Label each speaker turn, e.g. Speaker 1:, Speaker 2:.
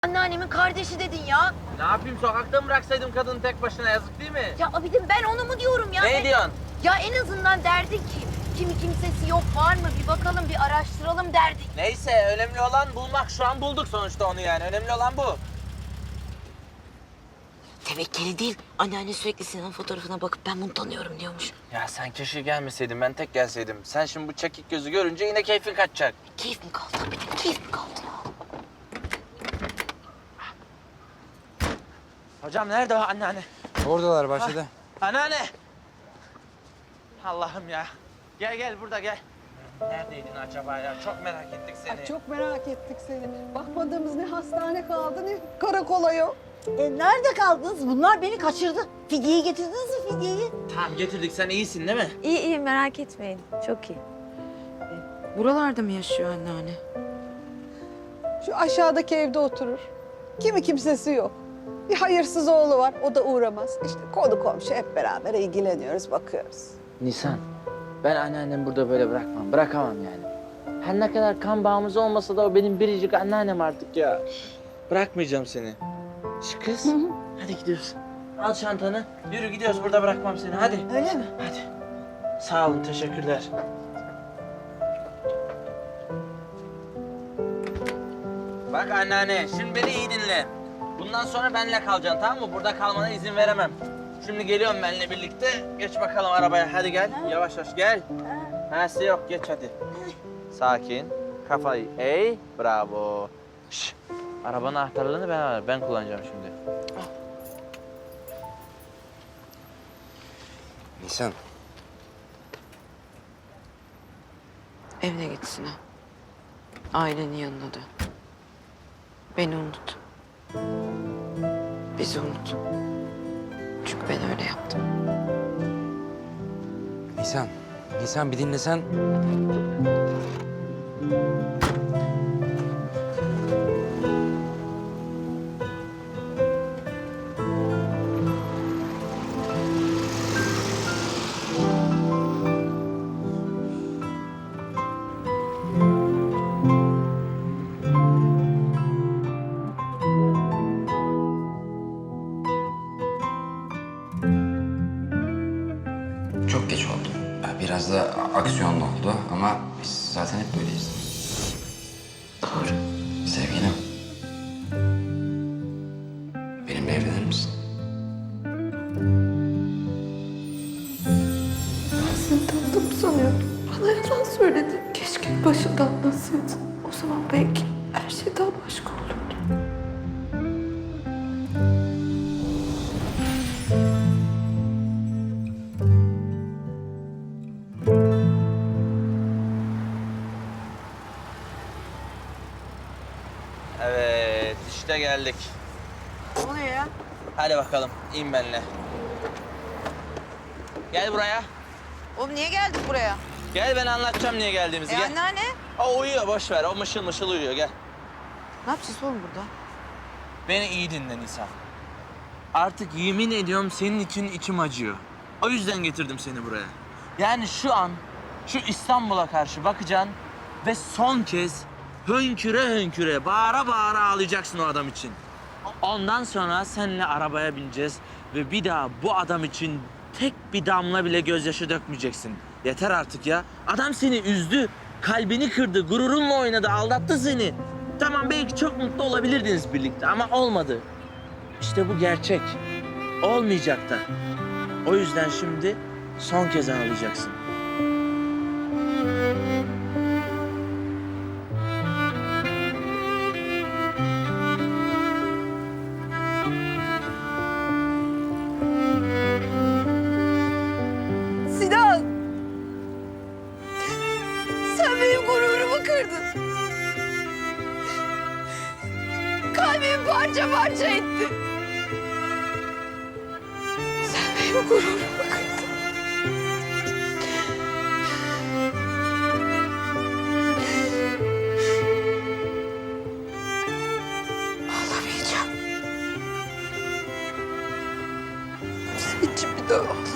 Speaker 1: Anneannemin kardeşi dedin ya.
Speaker 2: Ne yapayım, sokakta mı bıraksaydım kadını tek başına, yazık değil mi?
Speaker 1: Ya abidim ben onu mu diyorum ya?
Speaker 2: Ne diyorsun?
Speaker 1: Ya en azından derdik ki kimi kimsesi yok var mı bir bakalım bir araştıralım derdik.
Speaker 2: Neyse, önemli olan bulmak. Şu an bulduk sonuçta onu yani. Önemli olan bu.
Speaker 1: Tevekkeli değil. Anneanne sürekli Sinan fotoğrafına bakıp ben bunu tanıyorum diyormuş.
Speaker 2: Ya sen keşke gelmeseydin, ben tek gelseydim. Sen şimdi bu çekik gözü görünce yine keyfin kaçacak.
Speaker 1: Keyif mi kaldı abidim? Keyif mi kaldı ya?
Speaker 2: Hocam nerede o anneanne?
Speaker 3: Oradalar bahçede.
Speaker 2: Anneanne! Allah'ım ya. Gel gel, burada gel. Neredeydin acaba ya? Çok merak ettik seni.
Speaker 4: Ay, çok merak ettik seni. Bakmadığımız ne hastane kaldı ne karakola yok.
Speaker 5: Nerede kaldınız? Bunlar beni kaçırdı. Fidyeyi getirdiniz mi fidyeyi?
Speaker 2: Tamam, getirdik. Sen iyisin değil mi?
Speaker 6: İyi merak etmeyin. Çok iyi.
Speaker 7: Buralarda mı yaşıyor anneanne?
Speaker 4: Şu aşağıdaki evde oturur. Kimi kimsesi yok. Bir hayırsız oğlu var, o da uğramaz. İşte konu komşu hep beraber ilgileniyoruz, bakıyoruz.
Speaker 2: Nisan, ben anneannemi burada böyle bırakmam. Bırakamam yani. Her ne kadar kan bağımız olmasa da o benim biricik anneannem artık ya. Bırakmayacağım seni. Şu kız, hadi gidiyoruz. Al çantanı, yürü gidiyoruz. Burada bırakmam seni, hadi.
Speaker 5: Öyle mi?
Speaker 2: Hadi. Sağ olun, teşekkürler. Bak anneanne, şimdi beni iyi dinle. Bundan sonra benimle kalacaksın, tamam mı? Burada kalmana izin veremem. Şimdi geliyorum benimle birlikte. Geç bakalım arabaya, hadi gel. Yavaş yavaş gel. Hası yok, geç hadi. Sakin, kafayı eğ, bravo. Şş, arabanın anahtarlarını ben kullanacağım şimdi.
Speaker 3: Nisan.
Speaker 7: Evine git Sinan. Ailenin yanına dön. Beni unut. Bizi unut. Çünkü ben öyle yaptım.
Speaker 3: Nisan. Nisan bir dinlesen. Çok geç oldu. Biraz da aksiyonlu oldu ama biz zaten hep böyleyiz.
Speaker 7: Doğru.
Speaker 3: Sevgilim. Benimle evlenir misin?
Speaker 6: Ben seni tanıdığımı sanıyordum. Bana yalan söyledin. Keşke başında anlatsaydın. O zaman belki her şey daha başka olurdu.
Speaker 2: Evet, işte geldik.
Speaker 5: Ne oluyor ya?
Speaker 2: Hadi bakalım, in benimle. Gel buraya.
Speaker 5: Oğlum niye geldik buraya?
Speaker 2: Gel, ben anlatacağım niye geldiğimizi. Gel.
Speaker 5: Anneanne.
Speaker 2: O uyuyor, boş ver. O mışıl mışıl uyuyor, gel.
Speaker 5: Ne yapacağız oğlum burada?
Speaker 2: Beni iyi dinle Nisan. Artık yemin ediyorum senin için içim acıyor. O yüzden getirdim seni buraya. Yani şu an şu İstanbul'a karşı bakacaksın ve son kez hönküre hönküre, bağıra bağıra ağlayacaksın o adam için. Ondan sonra seninle arabaya bineceğiz ve bir daha bu adam için tek bir damla bile gözyaşı dökmeyeceksin. Yeter artık ya. Adam seni üzdü, kalbini kırdı, gururunla oynadı, aldattı seni. Tamam, belki çok mutlu olabilirdiniz birlikte ama olmadı. İşte bu gerçek. Olmayacak da. O yüzden şimdi son kez ağlayacaksın.
Speaker 5: Sinan! Sen benim gururumu kırdın. Kalbimi parça parça ettin. Sen benim gururumu kırdın. Ağlamayacağım. Senin için bir daha ağlamayacağım.